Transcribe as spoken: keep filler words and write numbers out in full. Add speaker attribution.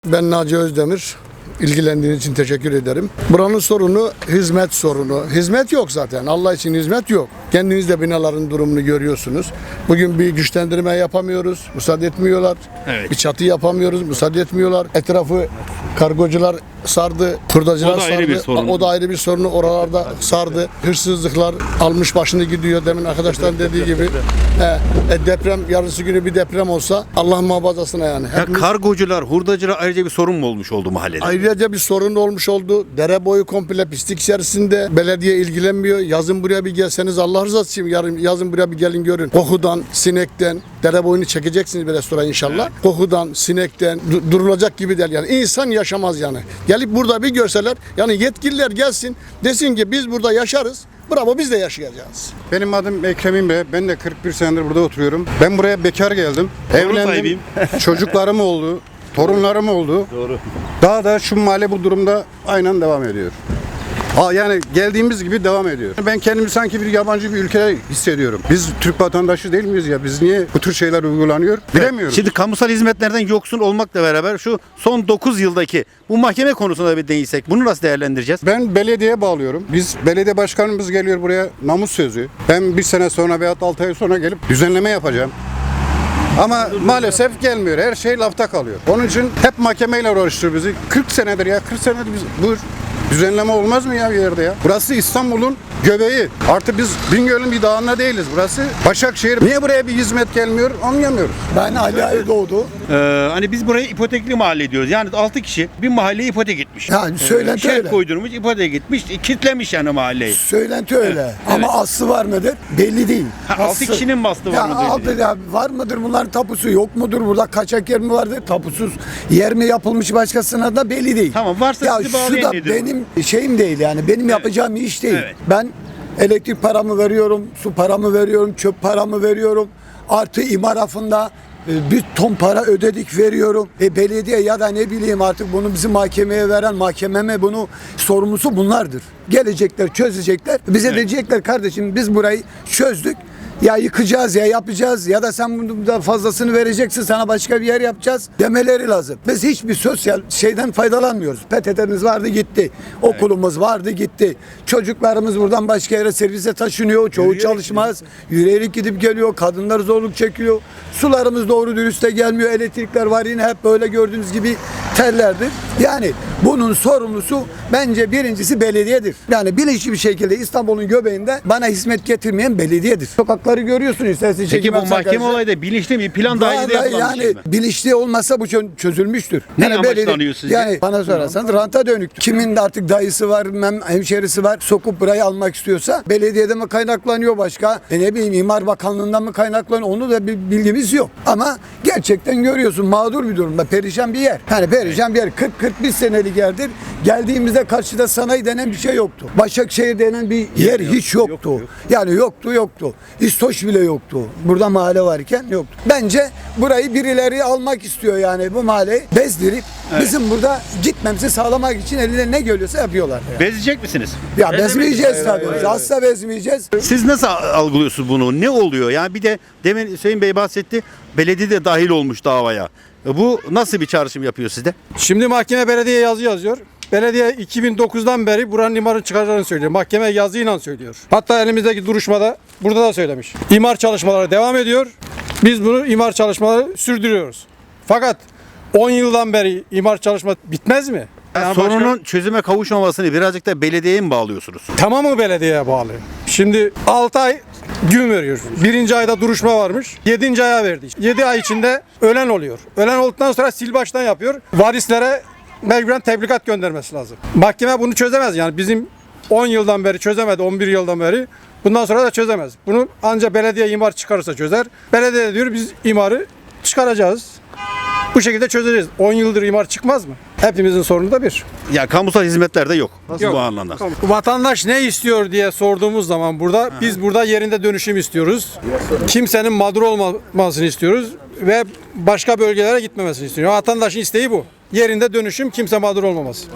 Speaker 1: Ben Naci Özdemir. İlgilendiğiniz için teşekkür ederim. Buranın sorunu hizmet sorunu. Hizmet yok zaten. Allah için hizmet yok. Kendiniz de binaların durumunu görüyorsunuz. Bugün bir güçlendirme yapamıyoruz. Müsaade etmiyorlar.
Speaker 2: Evet.
Speaker 1: Bir çatı yapamıyoruz. Müsaade etmiyorlar. Etrafı kargocular sardı. Hurdacılar
Speaker 2: O da ayrı
Speaker 1: sardı.
Speaker 2: bir sorun.
Speaker 1: O da ayrı bir sorunu oralarda sardı. Hırsızlıklar almış başını gidiyor. Demin arkadaşların dediği gibi. He, e, deprem yarısı günü bir deprem olsa Allah muhafazasına yani.
Speaker 2: Ya
Speaker 1: Hepimiz-
Speaker 2: kargocular, hurdacılar ayrıca bir sorun mu olmuş oldu mahallede?
Speaker 1: Ayrıca bir sorun olmuş oldu. Dere boyu komple pislik içerisinde. Belediye ilgilenmiyor. Yazın buraya bir gelseniz Allah rızası için yarın yazın buraya bir gelin görün. Kokudan, sinekten, dere boyunu çekeceksiniz bir restoran inşallah. Kokudan, sinekten du- durulacak gibi değil yani. İnsan yaşamaz yani. Gelip burada bir görseler yani yetkililer gelsin desin ki biz burada yaşarız. Bravo biz de yaşayacağız.
Speaker 3: Benim adım Ekrem İmre. Ben de kırk bir senedir burada oturuyorum. Ben buraya bekar geldim.
Speaker 2: Torun
Speaker 3: Evlendim.
Speaker 2: sahibiyim.
Speaker 3: Çocuklarım oldu. Torunlarım oldu.
Speaker 2: Doğru.
Speaker 3: Daha da şu mahalle bu durumda aynen devam ediyor. Ha, yani geldiğimiz gibi devam ediyor. Ben kendimi sanki bir yabancı bir ülkede hissediyorum. Biz Türk vatandaşı değil miyiz ya? Biz niye bu tür şeyler uygulanıyor? Bilemiyorum.
Speaker 2: Şimdi kamusal hizmetlerden yoksun olmakla beraber şu son dokuz yıldaki bu mahkeme konusunda bir değinsek bunu nasıl değerlendireceğiz?
Speaker 3: Ben belediyeye bağlıyorum. Biz belediye başkanımız geliyor buraya namus sözü. Ben bir sene sonra veyahut altı ay sonra gelip düzenleme yapacağım. Ama maalesef gelmiyor. Her şey lafta kalıyor. Onun için hep mahkemeyle uğraştırıyor bizi. kırk senedir ya. kırk senedir biz bu düzenleme olmaz mı ya bir yerde ya? Burası İstanbul'un göbeği. Artık biz Bingöl'ün bir dağında değiliz. Burası Başakşehir. Niye buraya bir hizmet gelmiyor? Anlayamıyoruz.
Speaker 1: Ben Ali Aydoğdu.
Speaker 2: Ee, hani biz burayı ipotekli mahalle diyoruz. Yani altı kişi bir mahalleye ipotek etmiş.
Speaker 4: Yani söylenti
Speaker 2: Şerh
Speaker 4: öyle.
Speaker 2: koydurmuş, ipotek etmiş, kitlemiş yani mahalleyi.
Speaker 4: Söylenti öyle. Ama aslı var mıdır? Belli değil.
Speaker 2: Ha, altı
Speaker 4: Aslı-
Speaker 2: kişinin mi aslı var
Speaker 4: ya,
Speaker 2: mıdır?
Speaker 4: altı- ya var mıdır bunların tapusu yok mudur? Burada kaçak yer mi vardır? Tapusuz yer mi yapılmış başkasına da belli değil.
Speaker 2: Tamam, varsa
Speaker 4: ya
Speaker 2: sizi
Speaker 4: şu
Speaker 2: bağlayan
Speaker 4: da
Speaker 2: nedir?
Speaker 4: benim şeyim değil yani. Benim yapacağım iş değil.
Speaker 2: Evet.
Speaker 4: Ben elektrik paramı veriyorum, su paramı veriyorum, çöp paramı veriyorum. Artı imar affında e, bir ton para ödedik veriyorum. E, belediye ya da ne bileyim artık bunu bizim mahkemeye veren mahkememe bunu sorumlusu bunlardır. Gelecekler çözecekler. Bize
Speaker 2: Evet.
Speaker 4: diyecekler kardeşim biz burayı çözdük. Ya yıkacağız ya yapacağız ya da sen bundan fazlasını vereceksin sana başka bir yer yapacağız demeleri lazım. Biz hiçbir sosyal şeyden faydalanmıyoruz. P T T'miz vardı gitti. Okulumuz vardı gitti. Çocuklarımız buradan başka yere servise taşınıyor. Çoğu
Speaker 2: Yürüyerek
Speaker 4: çalışmaz. Yürüyerek gidip geliyor. Kadınlar zorluk çekiyor. Sularımız doğru dürüst de gelmiyor. Elektrikler var yine hep böyle gördüğünüz gibi tellerdir. Yani bunun sorumlusu bence birincisi belediyedir. Yani bilinçli bir şekilde İstanbul'un göbeğinde bana hizmet getirmeyen belediyedir. Sokakları görüyorsunuz. Sesli
Speaker 2: Peki
Speaker 4: çekim
Speaker 2: bu
Speaker 4: yapsak
Speaker 2: mahkeme
Speaker 4: arkadaşlar.
Speaker 2: olayı da bilinçli mi? Plan dahilinde
Speaker 4: Vallahi
Speaker 2: yapılan bir
Speaker 4: yani
Speaker 2: şey mi?
Speaker 4: bilinçli olmasa bu çö- çözülmüştür.
Speaker 2: Ne
Speaker 4: yani
Speaker 2: amaçlanıyor sizce?
Speaker 4: Yani bana sorarsanız ranta dönük. Kimin de artık dayısı var, mem- hemşerisi var. Sokup burayı almak istiyorsa belediyede mi kaynaklanıyor başka? E ne bileyim İmar Bakanlığı'ndan mı kaynaklanıyor? Onu da bir bilgimiz yok. Ama gerçekten görüyorsun mağdur bir durumda. Perişan bir yer. Yani perişan bir yer. kırk kırk bir senelik yerdir. Geldiğimizde karşıda sanayi denen bir şey yoktu. Başakşehir denen bir yer hiç yoktu. Yani yoktu yoktu. İstoş bile yoktu. Burada mahalle varken yoktu. Bence burayı birileri almak istiyor yani bu mahalleyi bezdirip bizim burada gitmemizi sağlamak için eline ne geliyorsa yapıyorlar. Yani.
Speaker 2: Bezecek misiniz?
Speaker 4: Ya bezmeyeceğiz tabii. Asla bezmeyeceğiz.
Speaker 2: Siz nasıl algılıyorsunuz bunu? Ne oluyor? Yani bir de demin Hüseyin Bey bahsetti. Belediye de dahil olmuş davaya. E Bu nasıl bir çağrışım yapıyor sizde?
Speaker 5: Şimdi mahkeme belediye yazı yazıyor. Belediye iki bin dokuzdan beri buranın imarını çıkaracağını söylüyor. Mahkeme yazıyla söylüyor. Hatta elimizdeki duruşmada burada da söylemiş. İmar çalışmaları devam ediyor. Biz bunu imar çalışmaları sürdürüyoruz. Fakat on yıldan beri imar çalışma bitmez mi? Yani
Speaker 2: Sorunun
Speaker 5: başka-
Speaker 2: çözüme kavuşmamasını birazcık da belediyeye mi bağlıyorsunuz?
Speaker 5: tamamı belediyeye bağlı. Şimdi altı ay gün veriyor. Birinci ayda duruşma varmış. Yedinci aya verdi. Yedi ay içinde ölen oluyor. Ölen olduktan sonra sil baştan yapıyor. Varislere mecburen tebligat göndermesi lazım. Mahkeme bunu çözemez yani bizim on yıldan beri çözemedi, on bir yıldan beri. Bundan sonra da çözemez. Bunu ancak belediye imar çıkarırsa çözer. Belediye de diyor biz imarı çıkaracağız. Bu şekilde çözeceğiz. on yıldır imar çıkmaz mı? Hepimizin sorunu da bir.
Speaker 2: Ya kamusal hizmetler de yok. Nasıl
Speaker 5: Yok.
Speaker 2: bu anlamda?
Speaker 5: Vatandaş ne istiyor diye sorduğumuz zaman burada biz burada yerinde dönüşüm istiyoruz. Kimsenin mağdur olmamasını istiyoruz ve başka bölgelere gitmemesini istiyoruz. Vatandaşın isteği bu. Yerinde dönüşüm, kimse mağdur olmaması.